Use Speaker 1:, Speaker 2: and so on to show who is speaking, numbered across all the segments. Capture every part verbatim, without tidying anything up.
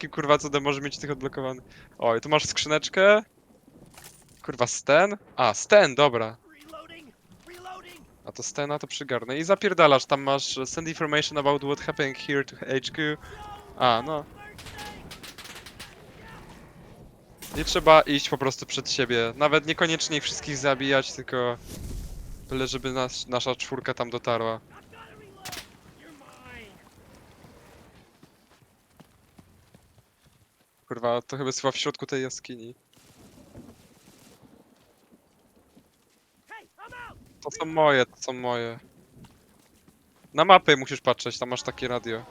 Speaker 1: jakim kurwa cudem może mieć tych odblokowanych. Oj, tu masz skrzyneczkę. Kurwa, Sten? A, Sten, dobra. A to Stena to przygarnę. I zapierdalasz, tam masz send information about what happened here to H Q. A, no. Nie trzeba iść po prostu przed siebie. Nawet niekoniecznie ich wszystkich zabijać, tylko byle żeby nas, nasza czwórka tam dotarła. Kurwa, to chyba jest chyba w środku tej jaskini. To są moje, to są moje. Na mapy musisz patrzeć, tam masz takie radio.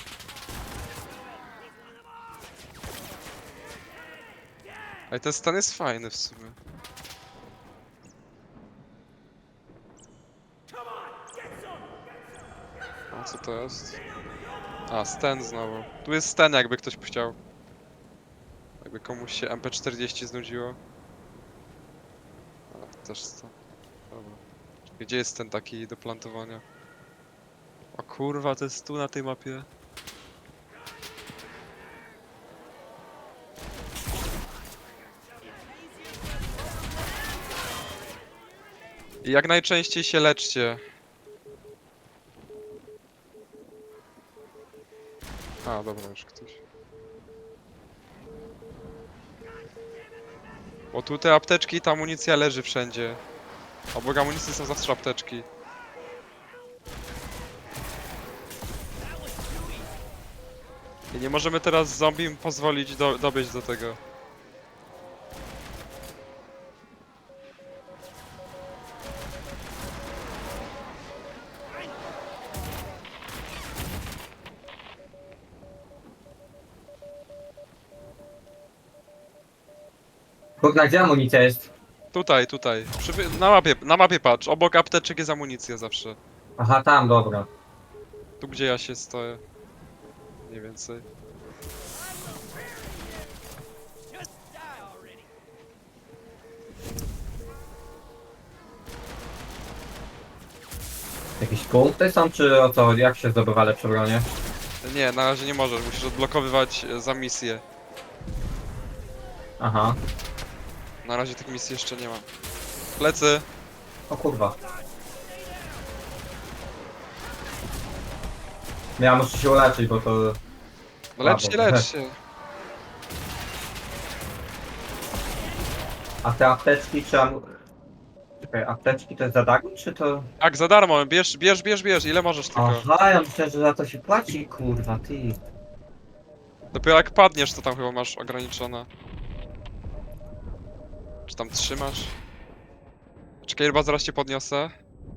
Speaker 1: Ale ten stan jest fajny w sumie. A co to jest? A, Sten znowu. Tu jest Sten, jakby ktoś chciał. Jakby komuś się M P czterdzieści znudziło. A, też Sten. Dobra. Gdzie jest ten taki do plantowania? O kurwa, to jest tu na tej mapie. I jak najczęściej się leczcie. A, dobra, już ktoś. Bo tu te apteczki i ta amunicja leży wszędzie. Obok amunicji są zawsze apteczki. I nie możemy teraz zombie pozwolić do, dobyć do tego.
Speaker 2: Kurna, gdzie amunicja jest?
Speaker 1: Tutaj, tutaj. Przy, na mapie, na mapie patrz. Obok apteczek jest amunicja zawsze.
Speaker 2: Aha, tam, dobra.
Speaker 1: Tu gdzie ja się stoję. Mniej więcej.
Speaker 2: Jakieś punkty są, czy o co? Jak się zdobywa lepsze bronie?
Speaker 1: Nie, na razie nie możesz. Musisz odblokowywać e, za misję.
Speaker 2: Aha.
Speaker 1: Na razie tych misji jeszcze nie ma. Plecy.
Speaker 2: O kurwa. Ja muszę się uleczyć, bo to...
Speaker 1: No lecz się,
Speaker 2: Słabo.
Speaker 1: lecz się.
Speaker 2: A te apteczki czy am... Czekaj, apteczki to jest za darmo, czy to...
Speaker 1: Tak, za darmo. Bierz, bierz, bierz, bierz. Ile możesz tylko.
Speaker 2: Aha, ja myślę, że za to się płaci, kurwa, ty.
Speaker 1: Dopiero jak padniesz, to tam chyba masz ograniczone. Czy tam trzymasz? Czekaj, chyba zaraz cię podniosę.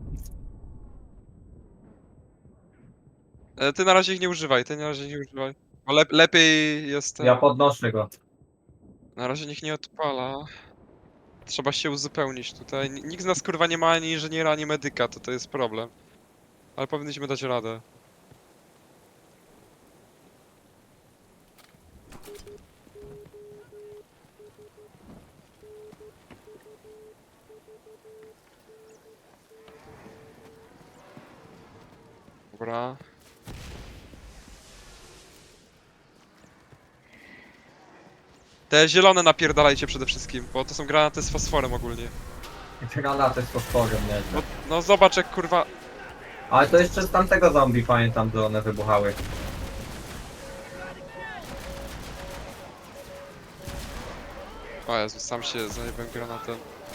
Speaker 1: E, Ty na razie ich nie używaj, ty na razie ich nie używaj. Bo lep lepiej jest ten...
Speaker 2: Ja podnoszę go.
Speaker 1: Na razie nikt nie odpala. Trzeba się uzupełnić tutaj. N- Nikt z nas kurwa nie ma ani inżyniera, ani medyka, to to jest problem. Ale powinniśmy dać radę. Dobra. Te zielone napierdalajcie przede wszystkim, bo to są granaty z fosforem ogólnie.
Speaker 2: Granaty z fosforem,
Speaker 1: No,
Speaker 2: nieźle.
Speaker 1: no zobacz jak kurwa...
Speaker 2: Ale to jeszcze z tamtego zombie pamiętam, że one wybuchały.
Speaker 1: O Jezu, sam się zajebałem granatem.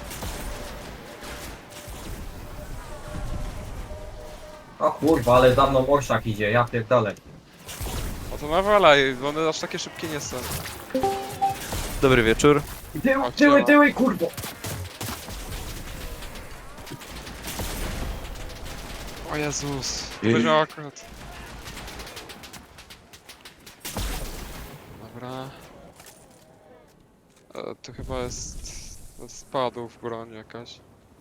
Speaker 2: O kurwa, ale za mną orszak idzie, ja pierdolę.
Speaker 1: O to nawalaj, bo one aż takie szybkie nie są.
Speaker 3: Dobry wieczór.
Speaker 2: Tyły,
Speaker 1: O,
Speaker 2: tyły,
Speaker 1: ciała.
Speaker 2: tyły, kurwo!
Speaker 1: O Jezus,
Speaker 3: Ej.
Speaker 1: to miał akurat. Dobra. E, tu chyba jest... Spadł w broń jakaś.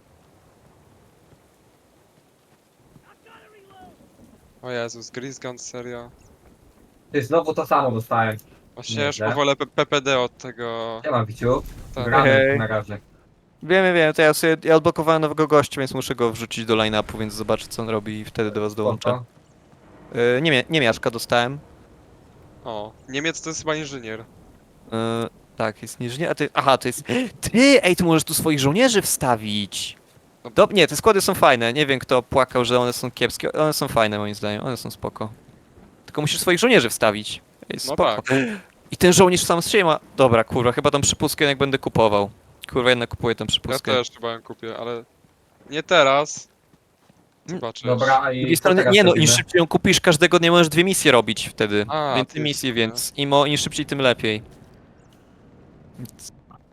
Speaker 1: O Jezus, Grease Gun, serio.
Speaker 2: Ty, znowu to samo dostałem.
Speaker 1: Właśnie ja już
Speaker 2: Nieźle.
Speaker 1: powolę P- PPD od tego...
Speaker 2: Nie mam wiciu.
Speaker 1: ten-
Speaker 2: Gramy
Speaker 3: Hej.
Speaker 2: na razie.
Speaker 3: Wiem, wiem, to ja sobie ja odblokowałem nowego gościa, więc muszę go wrzucić do line-upu, więc zobaczę co on robi i wtedy do was dołączę.
Speaker 2: Spoko.
Speaker 3: Yy, nie, nie miaszka dostałem.
Speaker 1: O, Niemiec to jest chyba inżynier.
Speaker 3: E, tak, jest niżej, a ty... Aha, to jest... Ty, ej, ty możesz tu swoich żołnierzy wstawić! Dob nie, te składy są fajne, nie wiem kto płakał, że one są kiepskie, one są fajne moim zdaniem, one są spoko. Tylko musisz swoich żołnierzy wstawić. Ej,
Speaker 1: No
Speaker 3: spoko.
Speaker 1: tak.
Speaker 3: I ten żołnierz sam z siebie ma... Dobra, kurwa, chyba tą przypustkę jednak będę kupował. Kurwa, jednak kupuję tą
Speaker 1: Ja
Speaker 3: przypustkę.
Speaker 1: też chyba ją kupię, ale nie teraz.
Speaker 3: Mm,
Speaker 1: Zobaczysz.
Speaker 2: Dobra, a
Speaker 3: Z
Speaker 2: i
Speaker 3: drugiej
Speaker 2: co
Speaker 3: strony,
Speaker 2: teraz
Speaker 3: nie no, im
Speaker 2: robimy?
Speaker 3: szybciej ją kupisz, każdego dnia możesz dwie misje robić wtedy.
Speaker 1: A,
Speaker 3: Więcej
Speaker 1: ty
Speaker 3: misji,
Speaker 1: jest,
Speaker 3: więc imo, im szybciej, tym lepiej. Więc-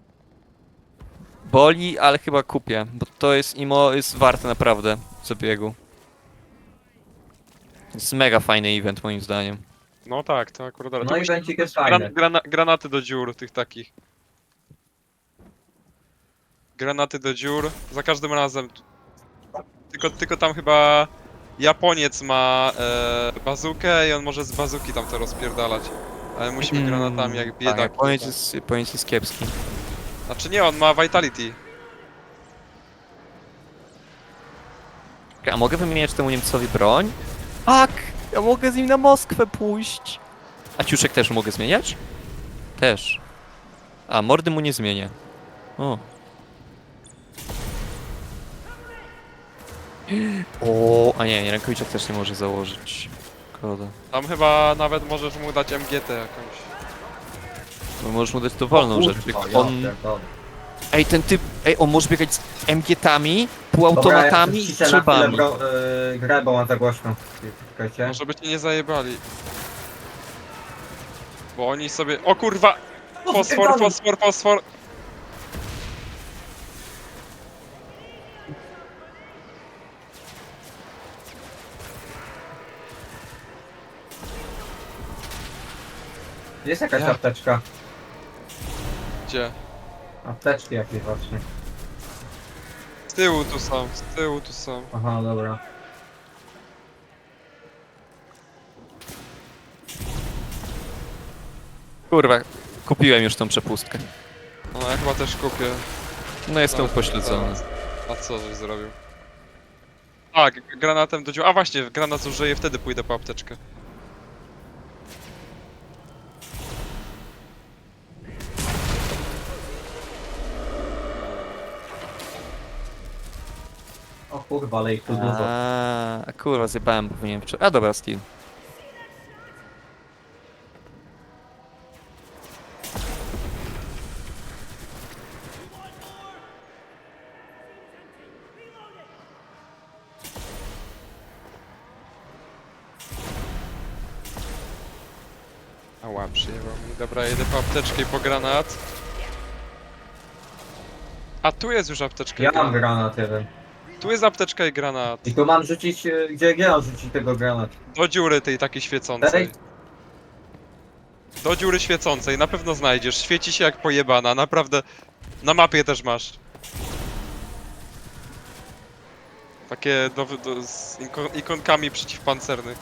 Speaker 3: Boli, ale chyba kupię, bo to jest imo, jest warte naprawdę zabiegu. Jest mega fajny event moim zdaniem.
Speaker 1: No tak, to akurat. ale
Speaker 2: No
Speaker 1: tu
Speaker 2: i
Speaker 1: musi-
Speaker 2: będzie jest
Speaker 1: gran,
Speaker 2: fajny.
Speaker 1: grana, granaty do dziur tych takich. Granaty do dziur. Za każdym razem. Tylko, tylko tam chyba Japoniec ma e, bazukę i on może z bazuki tam to rozpierdalać. Ale musimy granatami jak
Speaker 3: Tak,
Speaker 1: biedak.
Speaker 3: Japoniec jest, Japoniec jest kiepski.
Speaker 1: Znaczy nie, on ma Vitality.
Speaker 3: A mogę wymieniać temu Niemcowi broń? Tak! Ja mogę z nim na Moskwę pójść! A ciuszek też mogę zmieniać? Też. A, mordy mu nie zmienię. O. O, a nie, rękawiczek też nie może założyć. Szkoda.
Speaker 1: Tam chyba nawet możesz mu dać M G T jakąś.
Speaker 3: No możesz mu dać dowolną rzecz.
Speaker 2: Kurwa,
Speaker 3: Jak
Speaker 2: ja
Speaker 3: on...
Speaker 2: pierdolę.
Speaker 3: Ej, ten typ... Ej, on może biegać z M G-tami,
Speaker 2: Dobra,
Speaker 3: półautomatami
Speaker 2: ja
Speaker 3: i
Speaker 2: ciszę na chwilę
Speaker 3: strzybami.
Speaker 2: bro, y, grę, bo mam za głośno. Czekajcie.
Speaker 1: No żeby cię nie zajebali. Bo oni sobie... O kurwa! Fosfor,
Speaker 2: pierdolę.
Speaker 1: fosfor, fosfor!
Speaker 2: Jest jakaś
Speaker 1: Ja.
Speaker 2: apteczka.
Speaker 1: Gdzie?
Speaker 2: Apteczki jakieś właśnie.
Speaker 1: Z tyłu tu są, z tyłu tu są.
Speaker 2: Aha, dobra.
Speaker 3: Kurwa, kupiłem już tą przepustkę.
Speaker 1: No ja chyba też kupię.
Speaker 3: No jestem
Speaker 1: No,
Speaker 3: upośledzony.
Speaker 1: zaraz. A co żeś zrobił? A, g- granatem do dziur. A właśnie, granat zużyję, wtedy pójdę po apteczkę.
Speaker 2: O kurwa, ale ich tu dużo.
Speaker 3: A, a kurwa, zjebałem, bo powinienem wczoraj. A dobra, Steel.
Speaker 1: Ała, przyjechał mi. Dobra, jedę po apteczkę i po granat. A tu jest już apteczka
Speaker 2: Ja
Speaker 1: i
Speaker 2: mam
Speaker 1: granat.
Speaker 2: granat jeden.
Speaker 1: Tu jest apteczka i granat.
Speaker 2: I tu mam rzucić, y, gdzie gdzie mam rzucić tego granat?
Speaker 1: Do dziury tej takiej świecącej.
Speaker 2: Ej.
Speaker 1: Do dziury świecącej, na pewno znajdziesz. Świeci się jak pojebana, naprawdę. Na mapie też masz. Takie do, do, z iko- ikonkami przeciwpancernych.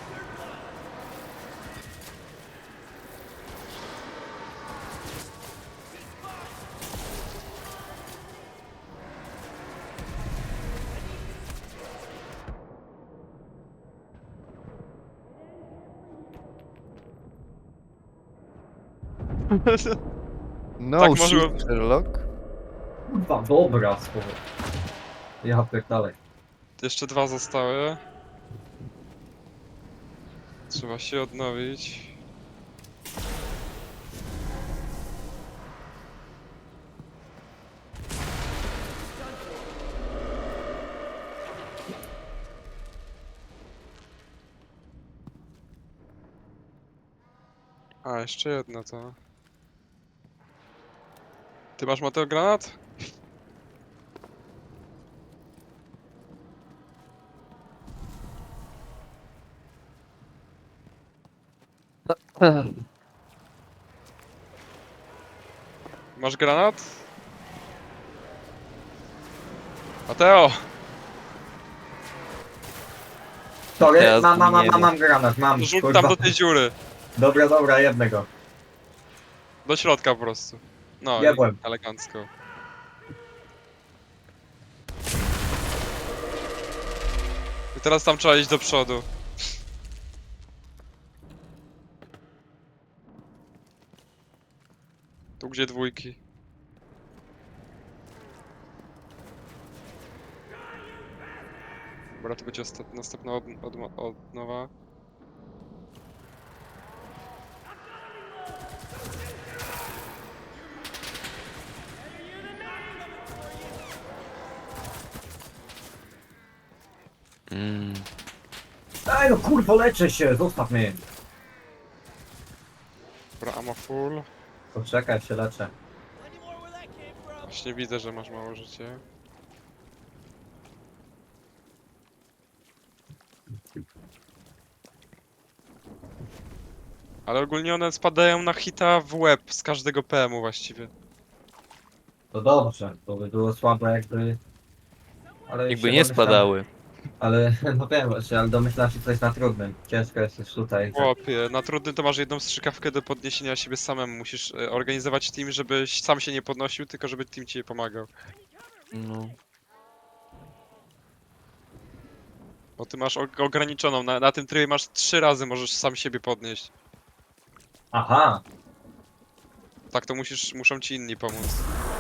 Speaker 3: No,
Speaker 1: Tak może-
Speaker 3: shit, Sherlock.
Speaker 2: Kurwa, dobra, słowo. Ja pierdolę.
Speaker 1: Jeszcze dwa zostały. Trzeba się odnowić. A, jeszcze jedno to. Ty masz Mateo granat? Masz granat? Mateo!
Speaker 2: Sorry,
Speaker 3: Teraz
Speaker 2: mam, mam, mam,
Speaker 3: nie
Speaker 2: mam,
Speaker 3: wiem.
Speaker 2: mam granat, mam.
Speaker 1: Rzuć
Speaker 2: kurwa.
Speaker 1: tam do tej dziury.
Speaker 2: Dobra, dobra, jednego.
Speaker 1: Do środka po prostu. No,
Speaker 2: Jebłem.
Speaker 1: i elegancko. I teraz tam trzeba iść do przodu. Tu gdzie dwójki? Dobra, to będzie ostat... następna od... Od... od nowa.
Speaker 3: Mm.
Speaker 2: Ej no kurwo, leczę się, zostaw mnie.
Speaker 1: Dobra, ammo full.
Speaker 2: Poczekaj, się leczę.
Speaker 1: Właśnie widzę, że masz mało życie. Ale ogólnie one spadają na hita w łeb z każdego P M u właściwie.
Speaker 2: To dobrze, to by było słabe jakby... Ale
Speaker 3: Jakby
Speaker 2: się
Speaker 3: nie
Speaker 2: domyślam-
Speaker 3: spadały.
Speaker 2: Ale, no wiem właśnie, ale domyślam się, co jest na trudnym. Ciężko jest już tutaj.
Speaker 1: Chłopie, na trudnym to masz jedną strzykawkę do podniesienia siebie samemu. Musisz e, organizować team, żebyś sam się nie podnosił, tylko żeby team ci pomagał.
Speaker 3: No.
Speaker 1: Bo ty masz og- ograniczoną, na, na tym trybie masz trzy razy możesz sam siebie podnieść.
Speaker 2: Aha!
Speaker 1: Tak to musisz, muszą ci inni pomóc.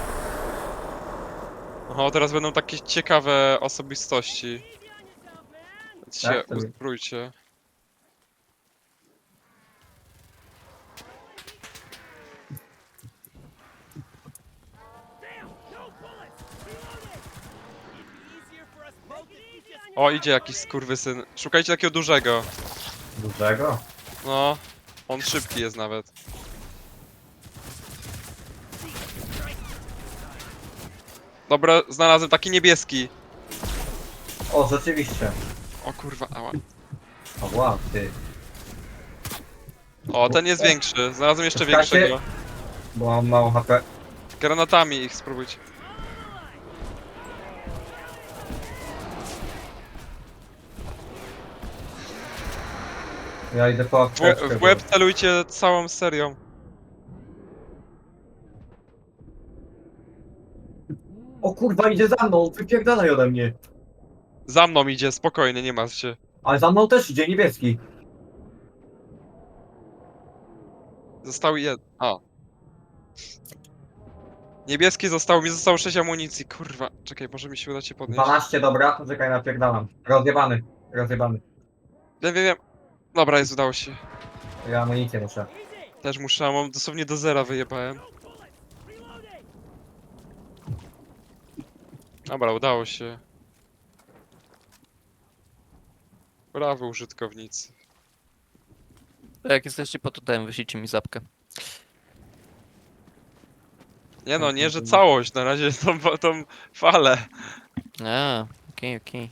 Speaker 1: Oho, teraz będą takie ciekawe osobistości. Więc się
Speaker 2: Tak, to-
Speaker 1: uzbrójcie. O, idzie jakiś skurwysyn. Szukajcie takiego dużego.
Speaker 2: Dużego?
Speaker 1: No, on szybki jest nawet. Dobra, znalazłem taki niebieski.
Speaker 2: O, rzeczywiście.
Speaker 1: O kurwa, ała.
Speaker 2: O, wow, ty.
Speaker 1: O, ten jest większy. Znalazłem jeszcze
Speaker 2: Czekajcie.
Speaker 1: większego.
Speaker 2: Bo mam mało H P.
Speaker 1: Granatami ich spróbujcie.
Speaker 2: Ja idę po
Speaker 1: W, łe-
Speaker 2: apteczkę.
Speaker 1: w łeb celujcie całą serią.
Speaker 2: O kurwa, idzie za mną, wypierdalaj ode mnie.
Speaker 1: Za mną idzie, spokojnie, nie martw się.
Speaker 2: Ale za mną też idzie niebieski.
Speaker 1: Został jed... A. Niebieski został, mi zostało sześć amunicji, kurwa. Czekaj, może mi się uda cię podnieść.
Speaker 2: dwanaście, dobra, poczekaj, napierdalam. Rozjebany, rozjebany.
Speaker 1: Wiem, wiem, wiem. Dobra, jest, udało się.
Speaker 2: Ja amunicję muszę.
Speaker 1: Też muszę, mam dosłownie do zera wyjebałem. Dobra, udało się. Brawo, użytkownicy.
Speaker 3: Jak jesteście po totem, wyślijcie mi zapkę.
Speaker 1: Nie no, nie, że całość, na razie tą, tą falę.
Speaker 3: A, okej, okej.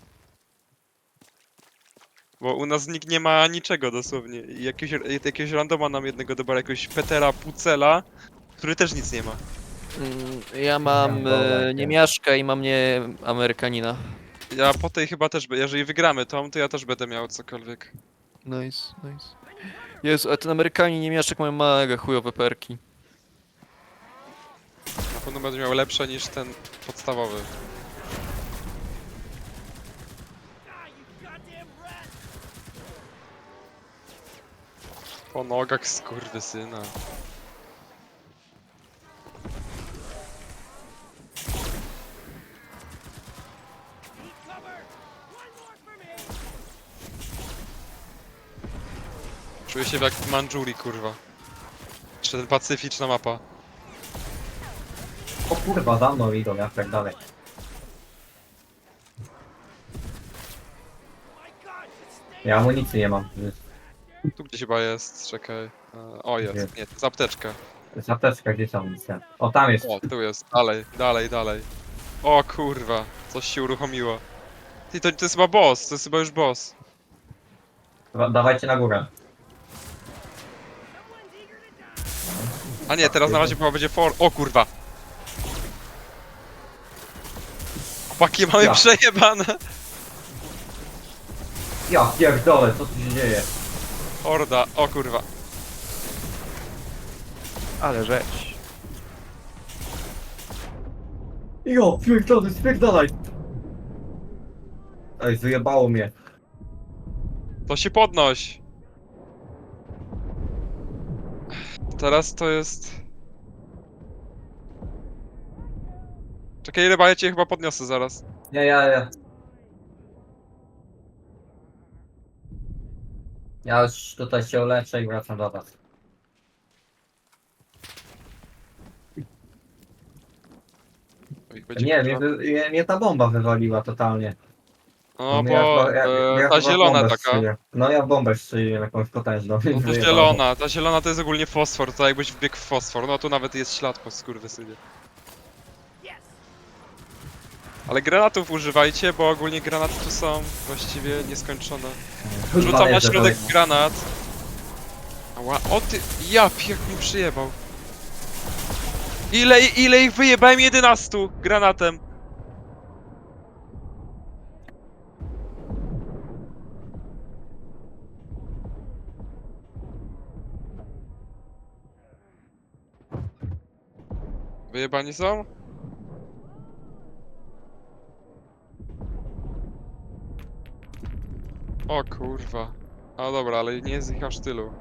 Speaker 1: Bo u nas nikt nie ma niczego dosłownie. I jakiegoś, jakiegoś randoma nam jednego dobra, jakiegoś Petera Pucela, który też nic nie ma.
Speaker 3: Mm, Ja mam
Speaker 2: Ja wolę,
Speaker 3: e,
Speaker 2: nie.
Speaker 3: niemiaszka i mam nie Amerykanina.
Speaker 1: Ja po tej chyba też, be- jeżeli wygramy tą, to ja też będę miał cokolwiek.
Speaker 3: Nice, nice. Jezu, a ten Amerykanin i niemiaszek mają mega chujowe perki.
Speaker 1: Na pewno będę miał lepsze niż ten podstawowy. Po nogach skurwysyna. Czuję się jak w Mandżurii, kurwa. Czy ten pacyficzna mapa.
Speaker 2: O kurwa, za mną idą, ja tak dalej. Ja amunicji nie mam.
Speaker 1: Tu gdzieś chyba jest, czekaj. E, O, jest,
Speaker 2: Jest.
Speaker 1: nie, to jest apteczka.
Speaker 2: To jest apteczka, gdzie jest amunicja? O, tam jest.
Speaker 1: O, tu jest, dalej, dalej, dalej. O kurwa, coś się uruchomiło. Ty, to, to jest chyba boss, to jest chyba już boss.
Speaker 2: Dobra, dawajcie na górę.
Speaker 1: A nie, teraz na razie chyba będzie for... O kurwa! Chłopaki, mamy
Speaker 2: Ja.
Speaker 1: przejebane!
Speaker 2: Ja pierdolę, co tu się dzieje?
Speaker 1: Horda, o kurwa.
Speaker 3: Ale rzecz.
Speaker 2: Jo, pierdolę, spierdalaj! Ej, wyjebało mnie.
Speaker 1: To się podnoś! Teraz to jest... Czekaj, ryba, ja cię chyba podniosę zaraz.
Speaker 2: Nie, ja, ja. Ja już tutaj się uleczę i wracam do was.
Speaker 1: Oj, będzie
Speaker 2: Nie, mnie,
Speaker 1: kurwa.
Speaker 2: wy- mnie, mnie ta bomba wywaliła totalnie.
Speaker 1: No
Speaker 2: mnie ja
Speaker 1: bo
Speaker 2: chyba- ja,
Speaker 1: e,
Speaker 2: ja
Speaker 1: ta
Speaker 2: chyba w
Speaker 1: zielona
Speaker 2: bombę
Speaker 1: taka.
Speaker 2: strzeliłem. No ja w bombę strzeliłem jakąś potężną.
Speaker 1: No to
Speaker 2: Wyjebało.
Speaker 1: zielona, ta zielona to jest ogólnie fosfor, to jakbyś wbiegł w fosfor. No tu nawet jest ślad po skurwysynie. Ale granatów używajcie, bo ogólnie granaty tu są właściwie nieskończone. Rzucam na
Speaker 2: Jeżdżę
Speaker 1: środek
Speaker 2: daleko.
Speaker 1: granat. Ała, o ty, ja jak mi przyjebał. Ile, ile ich wyjebałem? jedenastu granatem. Wyjebani są? O kurwa. A dobra, ale nie jest ich aż tylu.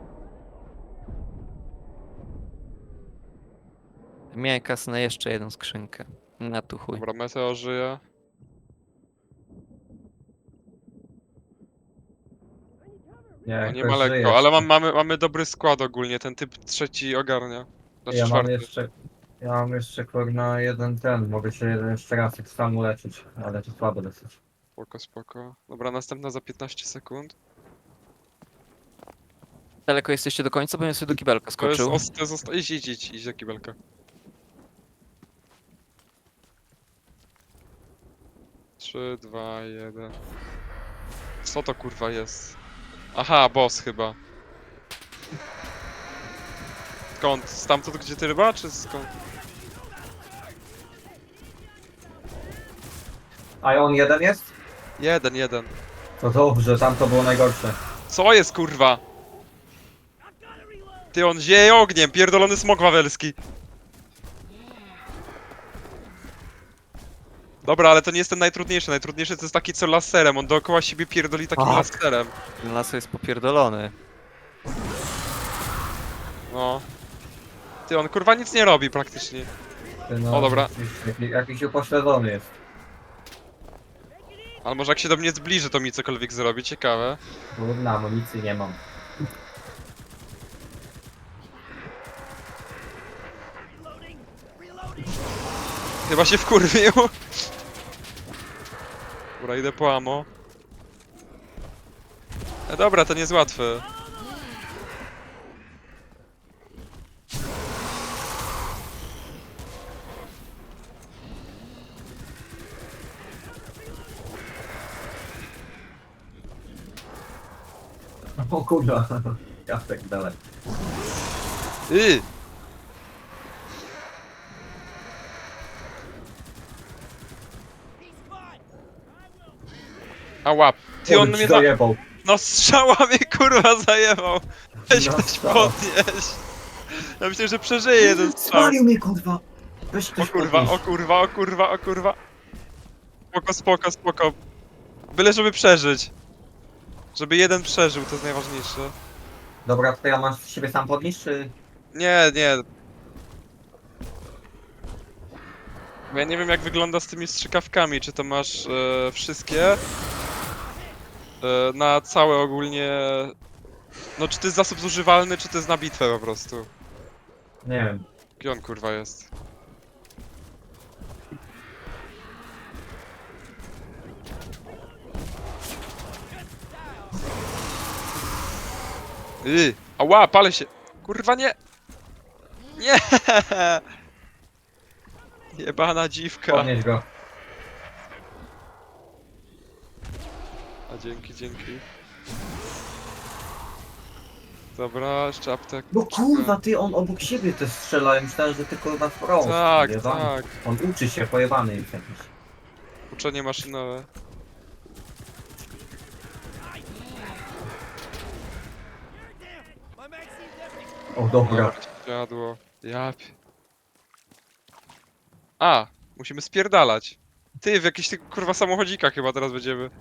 Speaker 3: Miałem kasę na jeszcze jedną skrzynkę. Na tu chuj.
Speaker 1: Dobra, Meteo żyje.
Speaker 2: Nie,
Speaker 1: No nie ma
Speaker 2: jakoś żyję
Speaker 1: lekko, ale mam,
Speaker 2: jeszcze.
Speaker 1: mamy, mamy dobry skład ogólnie, ten typ trzeci ogarnia. Znaczy
Speaker 2: Ja mam
Speaker 1: czwarty.
Speaker 2: jeszcze... Ja mam jeszcze kurna jeden ten, mogę się jeden jeszcze raz tak samo leczyć, ale to słabo dosyć.
Speaker 1: Spoko, spoko. Dobra, następna za piętnaście sekund.
Speaker 3: Daleko jesteście do końca, bo ja sobie do kibelka
Speaker 1: To jest,
Speaker 3: skoczył.
Speaker 1: os, to jest osta- idź, idź, idź, idź do kibelka. trzy, dwa, jeden. Co to kurwa jest? Aha, boss chyba. Skąd? Stamtąd gdzie ty ryba, czy skąd?
Speaker 2: A on jeden jest?
Speaker 1: Jeden, jeden.
Speaker 2: To dobrze, tam to było najgorsze.
Speaker 1: Co jest kurwa? Ty, on zieje ogniem, pierdolony smok wawelski. Dobra, ale to nie jest ten najtrudniejszy. Najtrudniejszy to jest taki co laserem. On dookoła siebie pierdoli takim
Speaker 3: Tak.
Speaker 1: laserem.
Speaker 3: Ten las jest popierdolony.
Speaker 1: No. Ty, on kurwa nic nie robi praktycznie.
Speaker 2: Ty, no,
Speaker 1: O, dobra.
Speaker 2: Jakiś, jakiś upośledzony jest.
Speaker 1: Ale może jak się do mnie zbliży, to mi cokolwiek zrobi. Ciekawe.
Speaker 2: Kurna, amunicji nie mam.
Speaker 1: Chyba się wkurwił. Dobra, idę po ammo. E, dobra, to nie jest łatwe.
Speaker 2: O kurwa, ja tak dalej.
Speaker 1: Yy. A łap. Ty, on
Speaker 2: Oj,
Speaker 1: mnie na...
Speaker 2: zajebał.
Speaker 1: No strzała mnie kurwa zajebał. Weź
Speaker 2: No
Speaker 1: ktoś
Speaker 2: strzał.
Speaker 1: podnieś. Ja myślę, że przeżyje jeden strzał.
Speaker 2: Spalił mnie kurwa! Weź
Speaker 1: O
Speaker 2: ktoś
Speaker 1: kurwa,
Speaker 2: podnieś.
Speaker 1: o kurwa, o kurwa, o kurwa. Spoko, spoko, spoko. Byle żeby przeżyć. Żeby jeden przeżył, to jest najważniejsze.
Speaker 2: Dobra, to ja mam siebie sam podnieść, czy...
Speaker 1: Nie, nie. Bo ja nie wiem jak wygląda z tymi strzykawkami, czy to masz e, wszystkie? E, na całe ogólnie... No czy to jest zasób zużywalny, czy to jest na bitwę po prostu?
Speaker 2: Nie wiem.
Speaker 1: Gdzie on kurwa jest? Yy, ała, palę się! Kurwa nie! Nie! Jebana dziwka.
Speaker 2: Podnieś go.
Speaker 1: A dzięki, dzięki. Dobra, jeszcze aptek.
Speaker 2: No kurwa, ty, on obok siebie też strzela, ja myślałem, że ty kurwa wprost.
Speaker 1: Tak,
Speaker 2: Pojebany.
Speaker 1: tak.
Speaker 2: On uczy się, pojebany jest jakiś.
Speaker 1: Uczenie maszynowe.
Speaker 2: O dobra.
Speaker 1: Jadło. Jap. A, musimy spierdalać. Ty, w jakichś tych kurwa samochodzikach chyba teraz będziemy.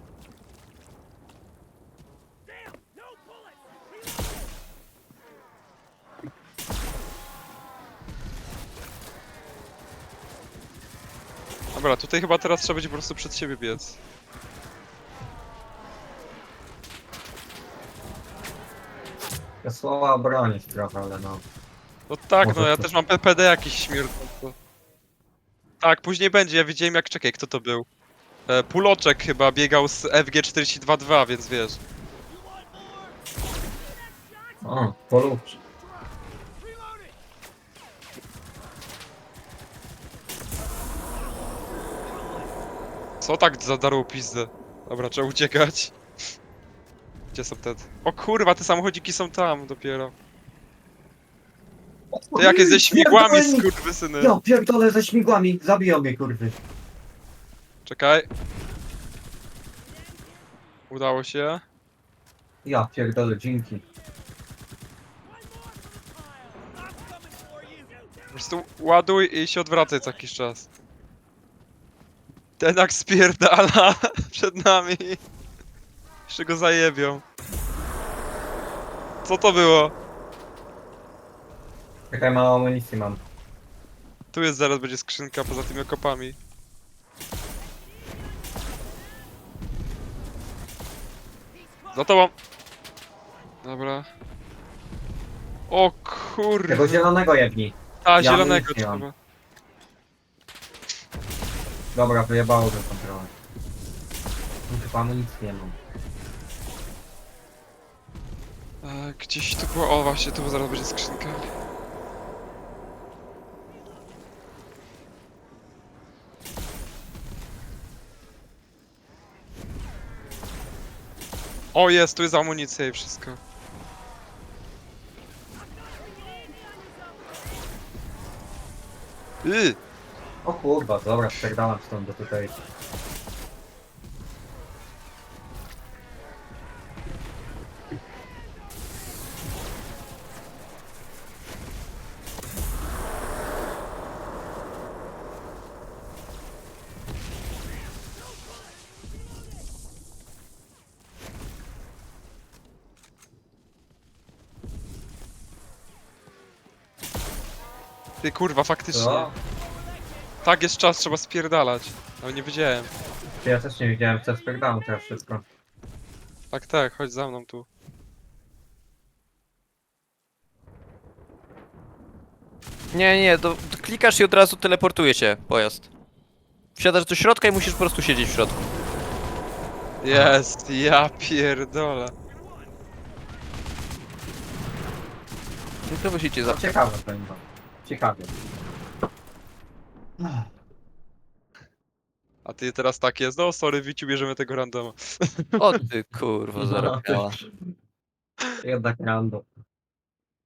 Speaker 1: Dobra, tutaj chyba teraz trzeba będzie po prostu przed siebie biec.
Speaker 2: Ja słowa bronić trochę, ale no.
Speaker 1: No tak,
Speaker 2: Może
Speaker 1: no ja
Speaker 2: to-
Speaker 1: też mam P P D jakiś śmierdzący. Tak, później będzie, ja widziałem jak, czekaj, kto to był? E, Puloczek chyba biegał z F G czterdzieści dwa dwa, więc wiesz.
Speaker 2: O, polubcz.
Speaker 1: Co tak zadarło pizdę? Dobra, trzeba uciekać. Gdzie są te... O kurwa, te samochodziki są tam dopiero. Te jakie ze śmigłami,
Speaker 2: Pierdolę mi-
Speaker 1: skurwysyny.
Speaker 2: Ja pierdolę ze śmigłami, zabiją mnie kurwy.
Speaker 1: Czekaj. Udało się.
Speaker 2: Ja pierdolę, dzięki.
Speaker 1: Po prostu ładuj i się odwracaj co jakiś czas. Ten jak spierdala przed nami. Jeszcze go zajebią. Co to było?
Speaker 2: Czekaj, mało amunicji mam.
Speaker 1: Tu jest zaraz będzie skrzynka poza tymi okopami. Za tobą. Dobra. O kurde.
Speaker 2: Tego zielonego jebni.
Speaker 1: A,
Speaker 2: ja
Speaker 1: zielonego
Speaker 2: amunicję mam.
Speaker 1: trzeba.
Speaker 2: Dobra, wyjebało tę kontrolę. No, chyba amunicji nie mam.
Speaker 1: E, gdzieś tu było. O właśnie, tu zaraz będzie skrzynka. O jest, tu jest amunicja i wszystko. Yy,
Speaker 2: O kurwa, dobra, spierdalam stąd do tutaj.
Speaker 1: ty kurwa, faktycznie.
Speaker 2: Co?
Speaker 1: Tak, jest czas, trzeba spierdalać. Ale nie wiedziałem.
Speaker 2: Ja też nie widziałem, co spierdalam teraz wszystko.
Speaker 1: Tak, tak, chodź za mną tu.
Speaker 3: Nie, nie, to, to klikasz i od razu teleportuje się pojazd. Wsiadasz do środka i musisz po prostu siedzieć w środku.
Speaker 1: Jest, ja pierdolę.
Speaker 3: I to musicie za...
Speaker 2: No, ciekawe to chyba. Ciekawie.
Speaker 1: A ty teraz tak jest, no sorry, Wiciu, bierzemy tego randoma.
Speaker 3: O ty kurwa, zarobała.
Speaker 2: Jednak rando.